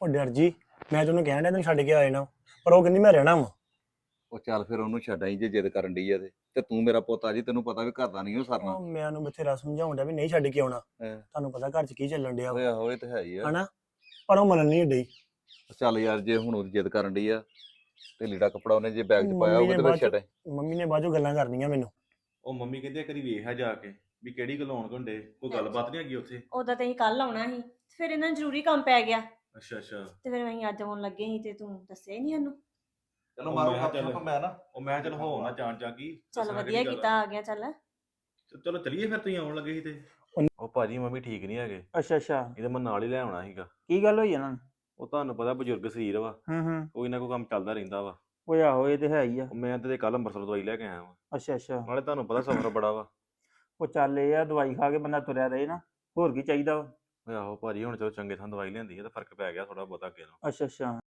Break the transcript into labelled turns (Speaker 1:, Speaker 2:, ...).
Speaker 1: ਉਹ ਡਰ ਜੀ, ਮੈਂ ਤੈਨੂੰ ਕਹਿਣ ਡਿਆ ਤੈਨੂੰ ਛੱਡ ਕੇ ਆ ਜਾਣਾ, ਪਰ ਉਹ ਕਹਿੰਦੀ ਮੈਂ ਰਹਿਣਾ ਵਾ।
Speaker 2: ਉਹ ਚੱਲ ਫਿਰ ਉਹਨੂੰ ਛੱਡਾਂ ਜੇ ਜਿੱਦ ਕਰਨ ਡਈ ਆ ਤੇ ਤੂੰ ਮੇਰਾ ਪੁੱਤ ਆ ਜੀ, ਤੈਨੂੰ ਪਤਾ ਵੀ ਘਰ ਦਾ ਨਹੀਂ ਉਹ ਸਰਨਾ।
Speaker 1: ਉਹ ਮੈਂ ਉਹਨੂੰ ਬਥੇਰਾ ਸਮਝਾਉਣ ਡਿਆ ਵੀ ਨਹੀਂ ਛੱਡ ਕੇ ਆਉਣਾ,
Speaker 2: ਹੈਂ।
Speaker 1: ਤੁਹਾਨੂੰ ਪਤਾ ਘਰ 'ਚ ਕੀ ਚੱਲਣ ਡਿਆ
Speaker 2: ਓਏ
Speaker 1: ਵਾ,
Speaker 2: ਆਹੋ ਇਹ ਤੇ ਹੈ ਹੀ ਆ।
Speaker 1: ਹਨਾ। ਪਰ ਉਹ ਮੰਨਣ ਨਹੀਂ ਡਈ।
Speaker 2: ਚੱਲ ਯਾਰ ਜੇ ਹੁਣ ਉਹਦੀ ਜਿੱਦ ਕਰਨ ਡਈ ਆ ਤੇ ਲੀੜਾ ਕੱਪੜਾ ਉਹਨੇ ਜੇ ਬੈਗ 'ਚ ਪਾਇਆ
Speaker 1: ਮੰਮੀ
Speaker 2: ਉਹ
Speaker 1: ਨੇ
Speaker 2: ਤੇ
Speaker 1: ਬਾਅਦ
Speaker 2: ਵਿੱਚ ਛੱਡ।
Speaker 1: ਮੰਮੀ ਨੇ ਬਾਅਦ ਚੋਂ ਗੱਲਾਂ ਕਰਨੀਆਂ ਮੈਨੂੰ।
Speaker 3: ਉਹ ਮੰਮੀ ਕਹਿੰਦੀ ਆ ਕਰੀ ਵੇਖ ਆ ਜਾ ਕੇ ਵੀ ਕਿਹੜੀ ਗੱਲ ਹੋਣ ਘੰਡੇ ਕੋਈ ਗੱਲਬਾਤ ਨਹੀਂ ਹੈਗੀ ਉੱਥੇ।
Speaker 4: ਉਦੋਂ ਤੇ ਅਸੀਂ ਕੱਲ ਆਉਣਾ ਸੀ, ਫਿਰ ਇਹਨਾਂ ਨੂੰ ਜ਼ਰੂਰੀ ਕੰਮ ਪੈ ਗਿਆ
Speaker 3: ਅੱਛਾ ਅੱਛਾ।
Speaker 4: ਤੇ ਫਿਰ ਅਸੀਂ ਅੱਜ ਆਉਣ ਲੱਗੇ ਸੀ ਤੇ ਤੂੰ ਦੱਸਿਆ ਹੀ ਨਹੀਂ ਸਾਨੂੰ।
Speaker 2: ਚਲੋ
Speaker 3: ਉਹ
Speaker 2: ਮਾਰੋ
Speaker 3: ਮੈਂ
Speaker 2: ਗੱਪ
Speaker 3: ਚੱਲ-
Speaker 2: ਸ਼ੱਪ ਮੈਂ ਨਾ।
Speaker 3: ਉਹ ਮੈਂ ਚੱਲ ਹੋ ਨਾ ਚਾਂ ਚਾ ਕੀ
Speaker 4: ਚੱਲ
Speaker 3: ਦੱਸਣਾ
Speaker 4: ਵਧੀਆ
Speaker 3: ਕਿਹੜੀ ਗੱਲ
Speaker 4: ਕੀਤਾ ਆ ਗਿਆ ਚੱਲ।
Speaker 3: ਚਲੋ ਚਲੀਏ ਫਿਰ ਤੁਸੀਂ ਆਉਣ ਲੱਗੇ ਸੀ ਤੇ। ਉਹ ਭਾਜੀ ਮੰਮੀ ਠੀਕ ਨਹੀਂ ਹੈਗੇ,
Speaker 5: ਅੱਛਾ ਅੱਛਾ।
Speaker 3: ਇਹਦੇ ਮੈਂ ਨਾਲ ਹੀ ਲੈ ਆਉਣਾ ਸੀਗਾ।
Speaker 5: ਕੀ ਗੱਲ ਹੋਈ ਇਹਨਾਂ ਨੂੰ?
Speaker 3: ਉਹ ਤੁਹਾਨੂੰ ਪਤਾ ਬਜ਼ੁਰਗ ਸਰੀਰ ਵਾ,
Speaker 5: ਹੂੰ।
Speaker 3: ਕੋਈ ਨਾ ਕੋਈ ਕੰਮ ਚੱਲਦਾ ਰਹਿੰਦਾ ਵਾ।
Speaker 5: ਓਏ ਆਹੋ ਇਹ ਤੇ ਹੈ ਹੀ ਆ।
Speaker 3: ਉਹ ਮੈਂ ਤੇ ਕੱਲ ਅੰਮ੍ਰਿਤਸਰ ਦਵਾਈ ਲੈ ਕੇ ਆਇਆ ਵਾਂ,
Speaker 5: ਅੱਛਾ ਅੱਛਾ।
Speaker 3: ਨਾਲੇ ਤੁਹਾਨੂੰ ਪਤਾ ਸਫ਼ਰ ਬੜਾ ਵਾ।
Speaker 5: ਉਹ ਚੱਲ ਇਹ ਆ ਦਵਾਈ ਖਾ ਕੇ ਬੰਦਾ ਤੁਰਿਆ ਰਹੇ ਨਾ, ਹੋਰ ਕੀ ਚਾਹੀਦਾ ਵਾ।
Speaker 3: ਓਏ ਆਹੋ ਭਾਜੀ ਹੁਣ ਚਲੋ ਚੰਗੇ ਥਾਂ ਦਵਾਈ ਲਿਆਂਦੀ ਹੈ ਤਾਂ ਫਰਕ ਪੈ ਗਿਆ ਥੋੜਾ ਬਹੁਤਾ ਅੱਗੇ ਨਾਲੋਂ।
Speaker 5: ਅੱਛਾ ਅੱਛਾ।